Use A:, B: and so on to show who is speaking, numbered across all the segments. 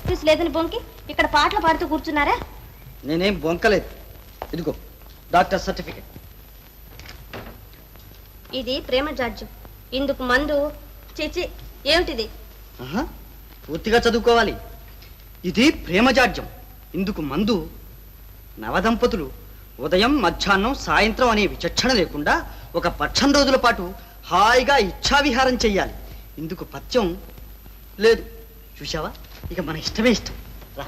A: Office లేదని బొంకి ఇక్కడ పాటలు పాడుతూ కూర్చున్నారా?
B: నేనేం బొంకలేదు. ఇదిగో డాక్టర్ సర్టిఫికెట్.
A: ఇది ప్రేమ జాడ్యం. ఇందుకు మందు చిచి. ఏమిటిది?
B: పూర్తిగా చదువుకోవాలి. ఇది ప్రేమ జాడ్యం. ఇందుకు మందు. నవదంపతులు ఉదయం మధ్యాహ్నం సాయంత్రం అనే విచక్షణ లేకుండా ఒక 18 రోజుల పాటు హాయిగా ఇచ్ఛావిహారం చెయ్యాలి. ఇందుకు పథ్యం లేదు. చూశావా? ఇక మన ఇష్టమే ఇష్టం. రా.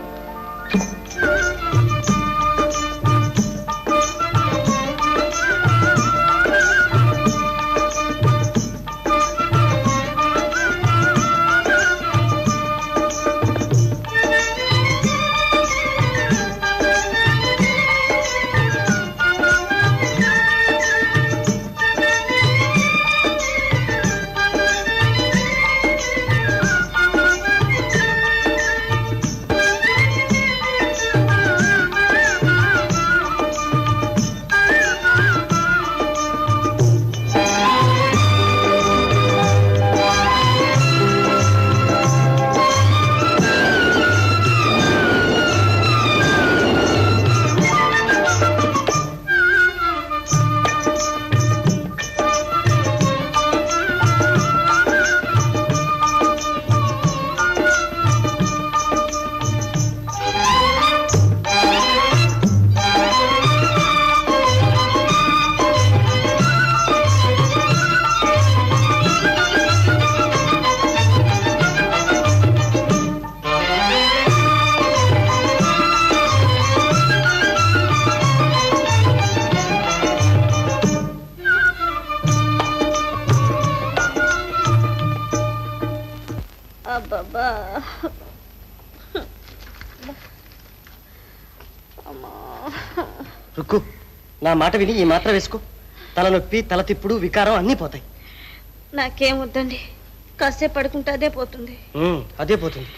B: రుక్కు, నా మాట విని ఈ మాత్ర వేసుకో. తలనొప్పి, తల తిప్పుడు, వికారం అన్నీ పోతాయి.
A: నాకేమొద్దండి. కాసేపు పడుకుంటే అదే పోతుంది.
B: అదే పోతుంది.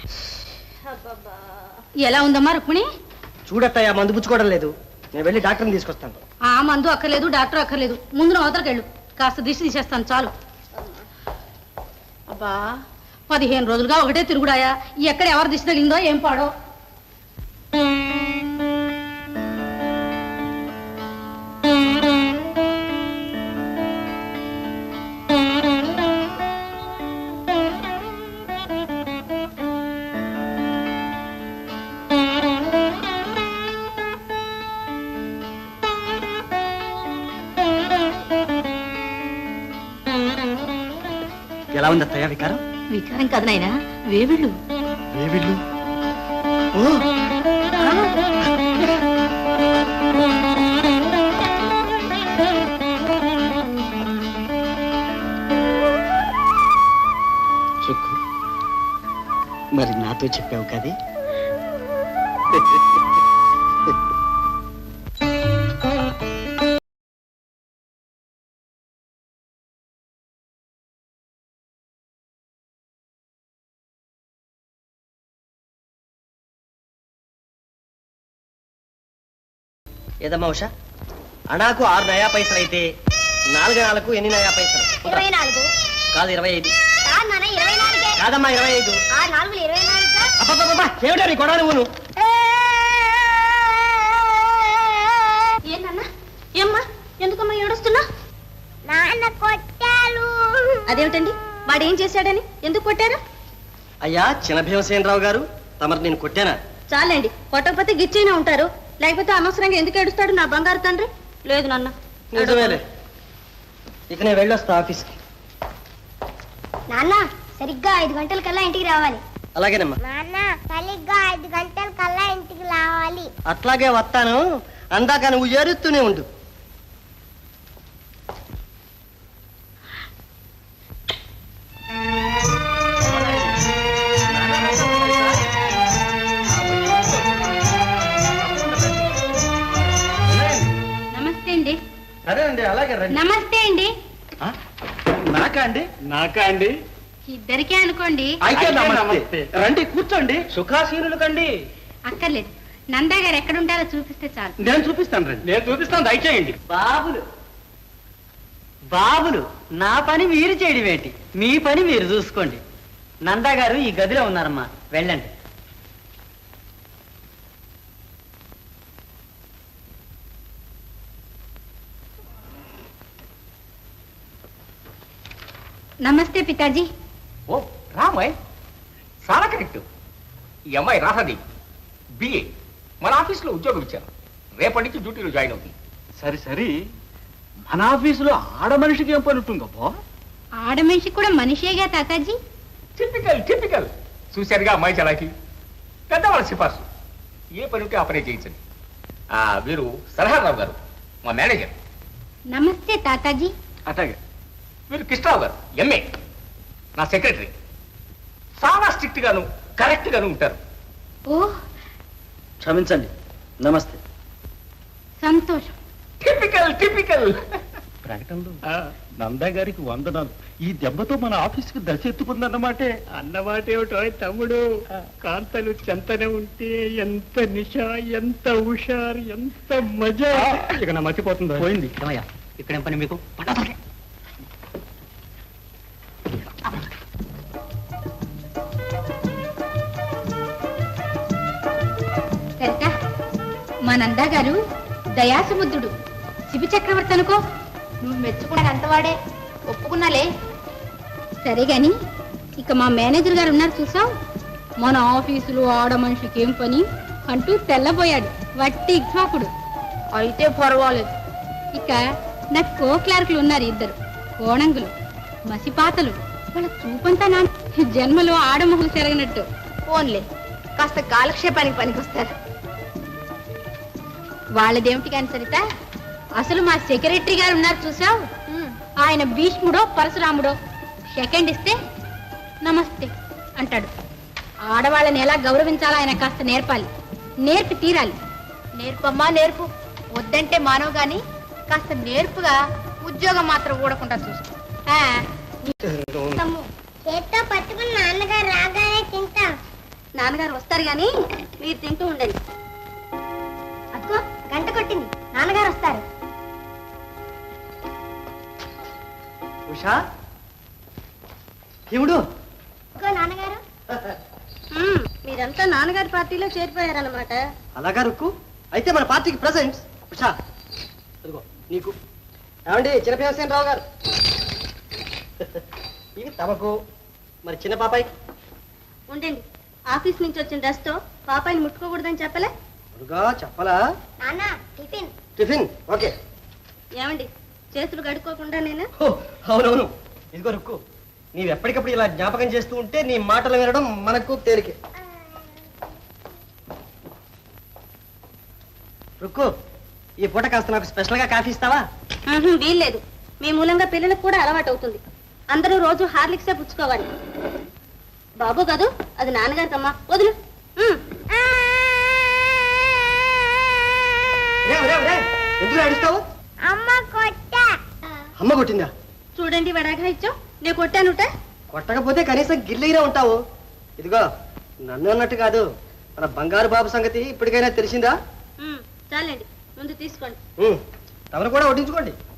C: ఎలా ఉందమ్మా రుక్మిణి?
B: చూడత్తయ్యా, మందు పుచ్చుకోవడం లేదు. నేను వెళ్ళి డాక్టర్ని తీసుకొస్తాను.
C: ఆ మందు అక్కర్లేదు, డాక్టర్ అక్కర్లేదు. ముందు నా అవతలకి వెళ్ళు. కాస్త దిష్టి తీసేస్తాను చాలు. అబ్బా, 15 రోజులుగా ఒకటే తిరుగుడాయా. ఎక్కడ ఎవరు దిష్టి తగిలిందో ఏం పాడో.
B: ఎలా ఉంది అత్తయ్య వికారం?
C: వికారం కాదు నాయనా, వేవిళ్ళు.
B: వేవిళ్ళు? రుక్కు, మరి నాతో చెప్పావు కదే. ఏదమ్మా ఉషా, అనాకు 6 నయా పైసలు అయితే 4 నాలకు ఎన్ని నయా పైసలు?
A: 24.
B: కాదు 25.
A: కాదమ్మా
B: 25.
A: 24.
B: ఏమిటా నీ కొడా నువ్వు?
A: ఏంటన్నా? ఏమ్మా, ఎందుకమ్మా ఏడుస్తున్నా? నాన్న కొట్టారు. అదేమిటండి? వాడు ఏం చేశాడని ఎందుకు కొట్టారు?
B: అయ్యా చిన్న భీమసేనరావు గారు, తమరు నేను కొట్టానా?
A: చాలండి, కొట్టకపోతే గిచ్చైనా ఉంటారు. లేకపోతే అనవసరంగా ఎందుకు ఏడుస్తాడు నా బంగారు తండ్రి? లేదు నాన్న.
B: నిజమేలే. ఇక నేను వెళ్ళొస్తా ఆఫీస్కి.
A: నాన్న, సరిగ్గా 5 గంటలకల్లా ఇంటికి రావాలి.
B: అలాగేనమ్మా.
A: నాన్న, సరిగ్గా 5 గంటలకల్లా ఇంటికి రావాలి.
B: అట్లాగే వస్తాను. అందాక నువ్వు ఏరుస్తూనే ఉండు.
C: సరే అండి, అలాగే రండి. నమస్తే అండి.
B: నాకా అండి? నాకా అండి?
C: ఇద్దరికే అనుకోండి.
B: నమస్తే. రండి కూర్చోండి. సుఖాసీనులు కండి.
C: అక్కర్లేదు, నందా గారు ఎక్కడ ఉంటారో చూపిస్తే చాలు.
B: నేను చూపిస్తాను రండి. నేను చూపిస్తాను, దయచేయండి. బాబులు బాబులు, నా పని మీరు చేయడం ఏంటి? మీ పని మీరు చూసుకోండి. నందా గారు ఈ గదిలో ఉన్నారమ్మా, వెళ్ళండి.
C: నమస్తే పితాజీ.
D: ఓ రామాయ్, చాలా కరెక్ట్. ఈ అమ్మాయి రాహది బిఏ, మన ఆఫీస్లో ఉద్యోగం ఇచ్చాను. రేపటి నుంచి డ్యూటీలో జాయిన్ అవుతుంది.
E: సరే సరే, మన ఆఫీసులో ఆడ మనిషికి ఏం పని ఉంటుందో?
C: ఆడ మనిషి కూడా మనిషేగా తాతాజీ.
D: Typical typical. చూశారుగా అమ్మాయి చలాకి. పెద్దవాళ్ళ సిఫార్సు. ఏ పని ఉంటే ఆ పనే చేయించండి. వీరు సలహారావు గారు, మా మేనేజర్.
C: నమస్తే తాతాజీ.
E: అట్లాగే.
D: వీరు కృష్ణరావు గారు, ఎంఏ, నా సెక్రటరీ. చాలా స్ట్రిక్ట్ గాను కరెక్ట్ గాను ఉంటారు.
C: ఓ
B: క్షమించండి. నమస్తే.
C: సంతోషం.
D: Typical typical.
E: ప్రకటనలో నందా గారికి వందనాలు. ఈ దెబ్బతో మన ఆఫీస్కి దశ ఎత్తుకుందన్నమాటే.
F: అన్నమాట ఏమిటో తమ్ముడు, కాంతలు చెంతనే ఉంటే ఎంత నిష, ఎంత హుషారు, ఎంత మజా. ఇక నా మర్చిపోతుందో
E: పోయింది.
B: ఏమయ్యా, ఇక్కడేం పని మీకు?
C: సరిత, మా నందా గారు దయాసుముద్రుడు, శిబి చక్రవర్తి అనుకో. నువ్వు మెచ్చుకున్నాడు అంతవాడే, ఒప్పుకున్నాలే. సరే గాని ఇక మా మేనేజర్ గారు ఉన్నారు చూసావు, మన ఆఫీసులో ఆడ మనిషికి ఏం పని అంటూ తెల్లబోయాడు. వట్టి ఇక్ష్వాకుడు. అయితే పర్వాలేదు. ఇక నాకు కో క్లార్కులు ఉన్నారు ఇద్దరు కోణంగులు, మసిపాతలు. వాళ్ళ చూపంతా నా జన్మలో ఆడమొహలు చెరగనట్టు. ఫోన్లే, కాస్త కాలక్షేపానికి పనికొస్తారు. వాళ్ళదేమిటి కాని సరిత, అసలు మా సెక్రటరీ గారు ఉన్నారు చూసావు, ఆయన భీష్ముడో పరశురాముడో. సెకండ్ ఇస్తే నమస్తే అంటాడు. ఆడవాళ్ళని ఎలా గౌరవించాలో ఆయన కాస్త నేర్పాలి, నేర్పి తీరాలి. నేర్పమ్మా నేర్పు, వద్దంటే మానవు గాని కాస్త నేర్పుగా ఉద్యోగం మాత్రం ఊడకుండా చూసుకో.
A: చేత్తో పట్టుకుని నాన్నగారు రాగానే తింటాం.
C: నాన్నగారు వస్తారు గాని మీరు తింటూ ఉండండి.
A: అదిగో గంట కొట్టింది, నాన్నగారు వస్తారు.
B: ఉషా, ఏముడు?
A: ఇదిగో నాన్నగారు.
C: మీరంతా నాన్నగారి పార్టీలో చేరిపోయారన్నమాట.
B: అలాగా రుక్కు, అయితే మన పార్టీకి ప్రెసెంట్స్. ఉషా, అదిగో నీకు. ఏమండి చిన్నపేమసేన రావు గారు, ఇవి తమకు. మరి చిన్న పాపాయి
C: ఉండండి, ఆఫీస్ నుంచి వచ్చిన డ్రెస్తో పాపాయిని ముట్టుకోకూడదని చెప్పలే?
B: అరుగా చెప్పలా?
A: నాన్న టిఫిన్.
B: Tiffin okay.
C: ఏమండి, చేతులు గడుక్కోకుండా నేను?
B: హో, అవునవును. ఇదిగో రుక్కు, నీవు ఎప్పటికప్పుడు ఇలా జ్ఞాపకం చేస్తూ ఉంటే నీ మాటలు వినడం మనకు తేలికే. రుక్కు, ఈ పూట కాస్త నాకు స్పెషల్గా కాఫీ ఇస్తావా?
C: వీల్లేదు, మీ మూలంగా పిల్లలకు కూడా అలవాటు అవుతుంది. అందరూ రోజు హార్లిక్సే పుచ్చుకోవాలి. బాబు కాదు, అది నాన్నగారికమ్మా. వదులు.
B: ఎందుకు అడుస్తావు?
A: అమ్మ కొట్టా.
B: అమ్మ కొట్టిందా?
C: చూడండి వడాగా ఇచ్చావు, నేను కొట్టానుట.
B: కొట్టకపోతే కనీసం గిల్లిగిరా ఉంటావు. ఇదిగో, నన్ను అన్నట్టు కాదు, మన బంగారు బాబు సంగతి ఇప్పటికైనా తెలిసిందా?
C: చాలండి, ముందు తీసుకోండి.
B: తమను కూడా వడ్డించుకోండి.